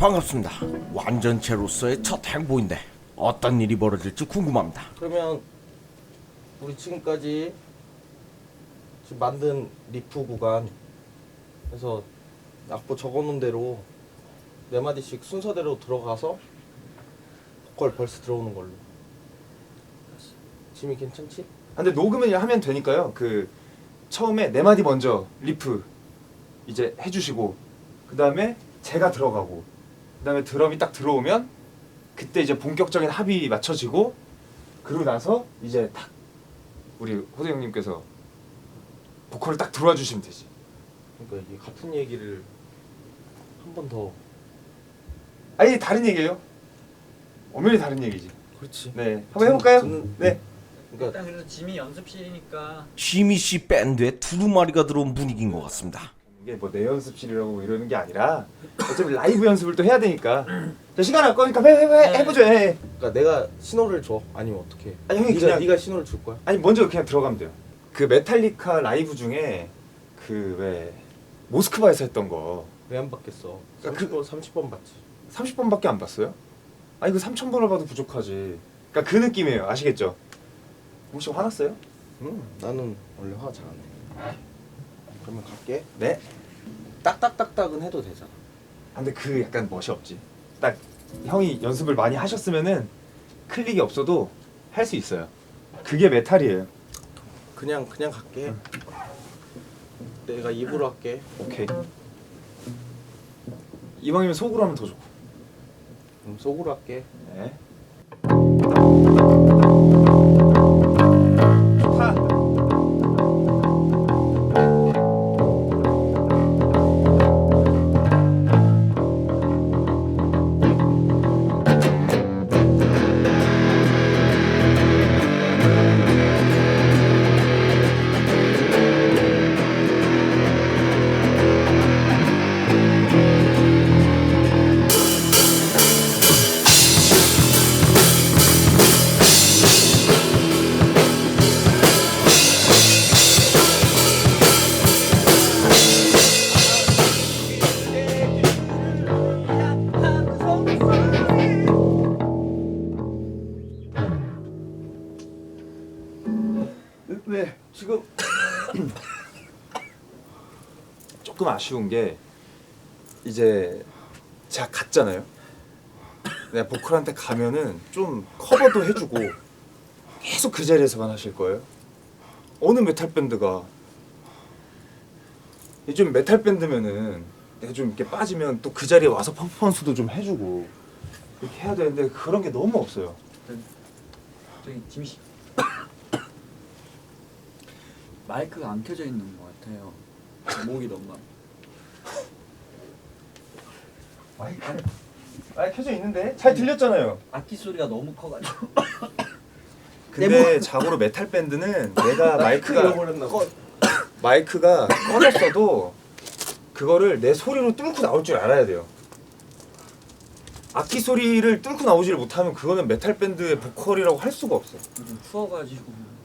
반갑습니다. 완전체로서의 첫 행보인데 어떤 일이 벌어질지 궁금합니다. 그러면 우리 지금까지 지금 만든 리프 구간 그래서 악보 적어놓은 대로 네 마디씩 순서대로 들어가서 보컬 벌스 들어오는 걸로. 지미 괜찮지? 근데 녹음을 하면 되니까요. 그 처음에 네 마디 먼저 리프 이제 해주시고 그 다음에 제가 들어가고 그 다음에 드럼이 딱 들어오면 그때 이제 본격적인 합이 맞춰지고 그러고 나서 이제 딱 우리 호대 형님께서 보컬을 딱 들어와 주시면 되지. 그러니까 이게 같은 얘기를 한 번 더. 아니 다른 얘기예요. 엄연히 다른 얘기지. 그렇지. 네, 한번 해볼까요? 그러니까 네. 일단 그래도 짐이 연습실이니까 지미 씨 밴드에 두루마리가 들어온 분위기인 것 같습니다. 이게 뭐 내 연습실이라고 이러는 게 아니라 어차피 라이브 연습을 또 해야 되니까. 자, 시간 할 거니까 해보죠. 해. 그러니까 내가 신호를 줘. 아니면 어떻게? 아니, 형이 그냥- 네가 신호를 줄 거야. 아니 먼저 그냥 들어가면 돼요. 그 메탈리카 라이브 중에 그 왜 모스크바에서 했던 거 왜 안 받겠어? 그러니까 30번 받지. 30번밖에 안 봤어요? 아니 그 3000번을 봐도 부족하지. 그러니까 그 느낌이에요. 아시겠죠? 혹시 화났어요? 나는 원래 화 잘 안 해. 그러면 갈게. 네. 딱딱딱딱은 해도 되잖아. 아, 근데 그 약간 멋이 없지. 딱 형이 연습을 많이 하셨으면은 클릭이 없어도 할 수 있어요. 그게 메탈이에요. 그냥 갈게. 내가 입으로 할게. 오케이. 이왕이면 속으로 하면 더 좋고. 그럼 속으로 할게. 네. 왜? 지금 조금 아쉬운 게 이제 제가 갔잖아요. 내가 보컬한테 가면은 좀 커버도 해주고 계속 그 자리에서만 하실 거예요. 어느 메탈 밴드가 좀 메탈 밴드면은 내가 좀 이렇게 빠지면 또 그 자리에 와서 퍼포먼스도 좀 해주고 이렇게 해야 되는데 그런 게 너무 없어요. 저기 짐이 씨 마이크가 안 켜져 있는 것 같아요. 목이 너무 마이크 켜져 있는데 잘 들렸잖아요. 악기 소리가 너무 커가지고 근데 자고로 메탈 밴드는 내가 잃어버렸나 봐. 마이크가 꺼졌어도 그거를 내 소리로 뚫고 나올 줄 알아야 돼요. 악기 소리를 뚫고 나오지를 못하면 그거는 메탈 밴드의 보컬이라고 할 수가 없어. 요즘 추워가지고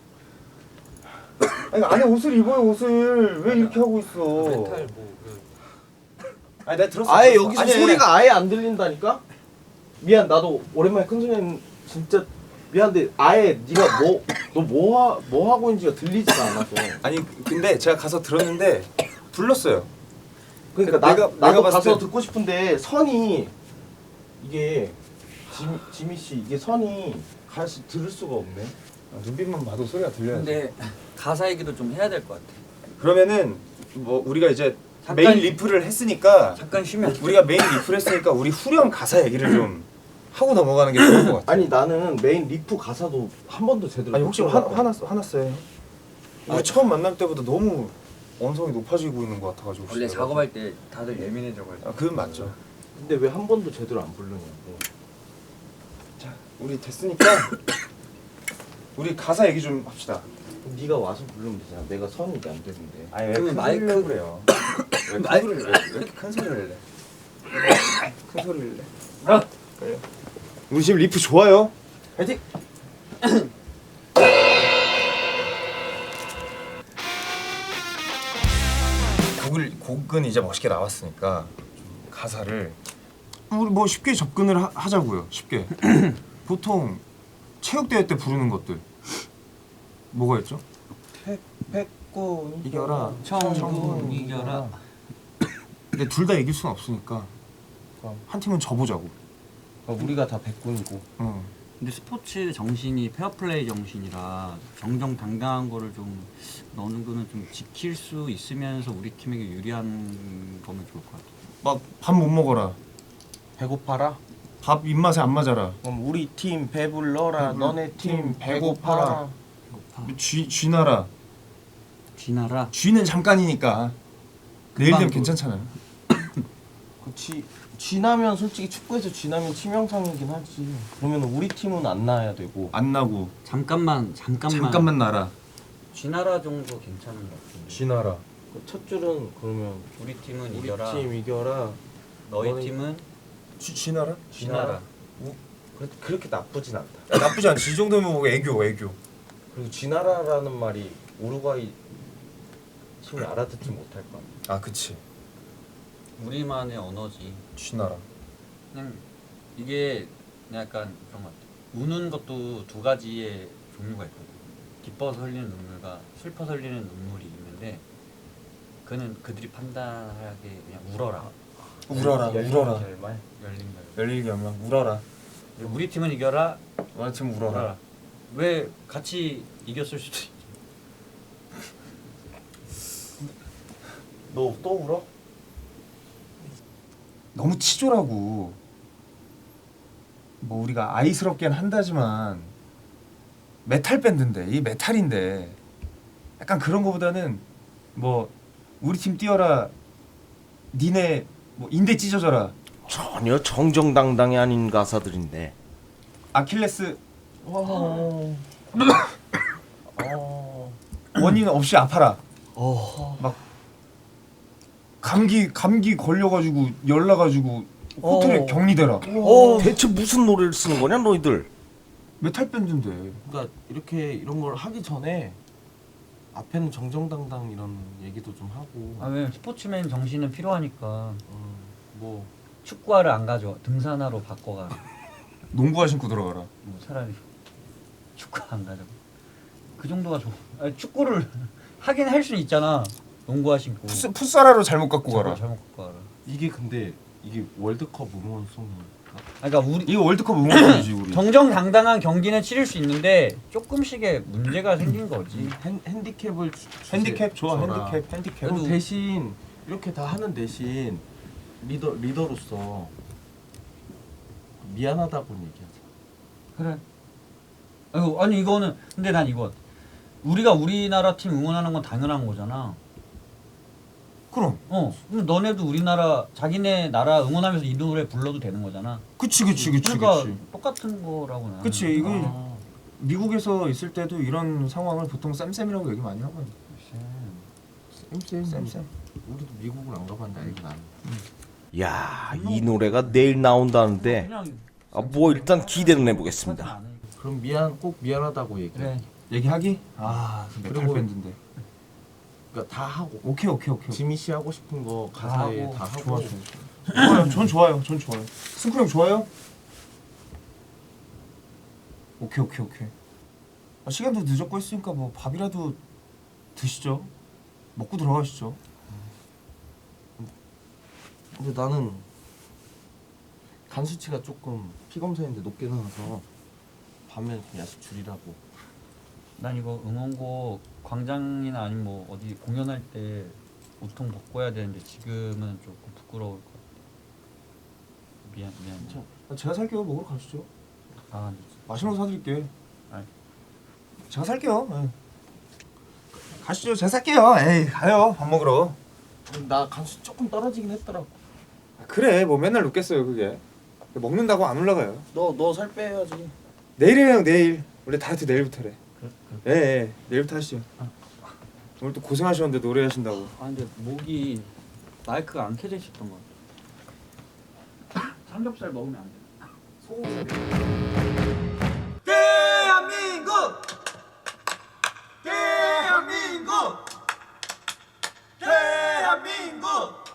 아니 안에 옷을 입어요. 옷을 왜 이렇게 하고 있어? 메탈 아니 내가 들었어. 아예 들었어. 여기서 아니, 소리가 아예 안 들린다니까? 미안, 나도 오랜만에 큰 소리는 진짜 미안한데 아예 네가 뭐 하고 있는지가 들리지가 않아서. 아니 근데 제가 가서 들었는데 불렀어요. 그러니까 내가 나도 봤을 가서 때- 듣고 싶은데 선이 이게 지미 씨 이게 선이 가서 들을 수가 없네. 눈빛만 봐도 소리가 들려요. 근데 가사 얘기도 좀 해야 될 것 같아. 그러면은 뭐 우리가 이제 잠깐- 메인 리프를 했으니까 잠깐 쉬면 우리가 메인 리프를 했으니까 우리 후렴 가사 얘기를 좀 하고 넘어가는 게 좋을 것 같아. 아니 나는 메인 리프 가사도 한 번도 제대로 아니 혹시 못 들어봤거든. 화났어요? 우리 처음 만날 때보다 너무 언성이 높아지고 있는 것 같아가지고. 원래 진짜. 작업할 때 다들 예민해져가지고. 아 그건 맞죠. 근데 왜 한 번도 제대로 안 부르냐고. 자 우리 됐으니까 우리 가사 얘기 좀 합시다. 그럼 네가 와서 부르면 되잖아. 내가 선이 이게 안 되는데. 아니 왜 그러면 큰 마이크- 소리를 그래요? 왜 마이- 큰 소리를 왜 이렇게 큰 소리를 내? 큰 소리를 내. 아! 그래. 우리 지금 리프 좋아요. 파이팅! 곡은 이제 멋있게 나왔으니까 좀 가사를 우리 뭐 쉽게 접근을 하자고요. 쉽게. 보통 체육대회 때 부르는 것들 뭐가 있죠? 백군 이겨라. 청군 이겨라. 근데 둘 다 이길 수는 없으니까 그럼. 한 팀은 져보자고. 우리가 다 백군이고. 근데 스포츠 정신이 페어플레이 정신이라 정정당당한 거를 좀 어느 정도는 좀 지킬 수 있으면서 우리 팀에게 유리한 거면 좋을 것 같아요. 막 밥 못 먹어라. 배고파라. 밥 입맛에 안 맞아라. 그럼 우리 팀 배불러라. 너네 팀 배고파라. 배고파라. 쥐나라. 쥐나라. 쥐는 잠깐이니까 내일 되면 금방 괜찮잖아요. 그치. 쥐나면 솔직히 축구에서 쥐나면 치명상이긴 하지. 그러면 우리 팀은 안 나야 되고. 안 나고 잠깐만 나라. 쥐나라 정도 괜찮은 것 같은데. 쥐나라. 첫 줄은 그러면 우리 팀은 우리 이겨라. 팀 이겨라. 너희 너희- 팀은 쥐나라? 쥐나라. 그렇게 나쁘진 않다. 나쁘지 않지. 이 정도면 뭐 애교. 그리고 쥐나라라는 말이 우루과이 팀이 알아듣지 못할 거 아니야. 아 그치. 우리만의 언어지. 쥐나라. 그냥 이게 약간 그런 것 같아. 우는 것도 두 가지의 종류가 있거든. 기뻐서 흘리는 눈물과 슬퍼서 흘리는 눈물이 있는데 그는 그들이 판단하게 그냥 울어라. 울어라. 결말. 열린 걸. 열일기 하면 울어라. 우리 팀은 이겨라. 우리 팀 울어라. 왜 같이 이겼을 수도 있지. 너 또 울어? 너무 치졸하고 뭐 우리가 아이스럽게는 한다지만 메탈 밴드인데 이 메탈인데 약간 그런 거보다는 뭐 우리 팀 뛰어라 니네 뭐 인대 찢어져라 전혀 정정당당이 아닌 가사들인데. 아킬레스 어. 원인 없이 아파라 막 감기 걸려가지고 열나가지고 호텔에 격리되라 대체 무슨 노래를 쓰는 거냐 너희들? 메탈 밴드인데 그러니까 이렇게 이런 걸 하기 전에 앞에는 정정당당 이런 얘기도 좀 하고. 왜 스포츠맨 정신은 필요하니까 뭐 축구화를 안 가져 등산화로 바꿔가. 농구화 신고 들어가라 뭐 차라리 축구 안 가져. 그 정도가 좋아. 아니, 축구를 하긴 할 수 있잖아. 농구화 신고. 풋사라로 잘못 갖고 가라 잘못 갖고 가라. 이게 근데 이게 월드컵 응원송이 그러니까 우리 이거 월드컵 응원이지 우리 정정당당한 경기는 치를 수 있는데 조금씩의 문제가 생긴 거지. 핸디캡을 핸디캡 좋아 줘라. 핸디캡 그럼 대신 이렇게 다 하는 대신 리더로서 미안하다고는 얘기하자. 그래. 아니 이거는 근데 난 이거 우리가 우리나라 팀 응원하는 건 당연한 거잖아. 그럼 그럼 너네도 우리나라 자기네 나라 응원하면서 이 노래 불러도 되는 거잖아. 그치 그러니까 똑같은 거라고 나는. 그치 이거 아, 미국에서 있을 때도 이런 상황을 보통 쌤쌤이라고 얘기 많이 하거든 쌤쌤 우리도 미국을 안 가봤는데 알긴 아는. 야, 이 노래가 내일 나온다는데 그냥 뭐 일단 기대는 해보겠습니다. 그럼 꼭 미안하다고 얘기해. 그래. 얘기하기? 아 메탈 그리고- 밴드인데 그러니까 다 하고. 오케이 지미 씨 하고 싶은 거 가사에 하고. 다 하고. 좋아요 전 좋아요 승쿠 형 좋아요? 오케이 시간도 늦었고 했으니까 뭐 밥이라도 드시죠 먹고 들어가시죠 근데 나는 간 수치가 조금 피 검사했는데 높게 나와서 밤에 좀 야식 줄이라고. 난 이거 응원곡 광장이나 아니면 뭐 어디 공연할 때 우통 벗고 해야 되는데 지금은 조금 부끄러울 것 같아. 미안. 제가 살게요 먹으러 가시죠 아, 맛있는 거 사드릴게 아이. 제가 살게요 가시죠 제가 살게요 에이 가요 밥 먹으러 나 간수 조금 떨어지긴 했더라고. 그래 뭐 맨날 눕겠어요 그게 먹는다고 안 올라가요 너 살 빼야지. 내일이에요 형 내일 원래 다이어트 내일부터래 예 내일부터 하시죠 오늘 또 고생하셨는데 노래하신다고 근데 목이 마이크가 안 켜져 있었던 것 같아. 삼겹살 먹으면 안 돼. 대한민국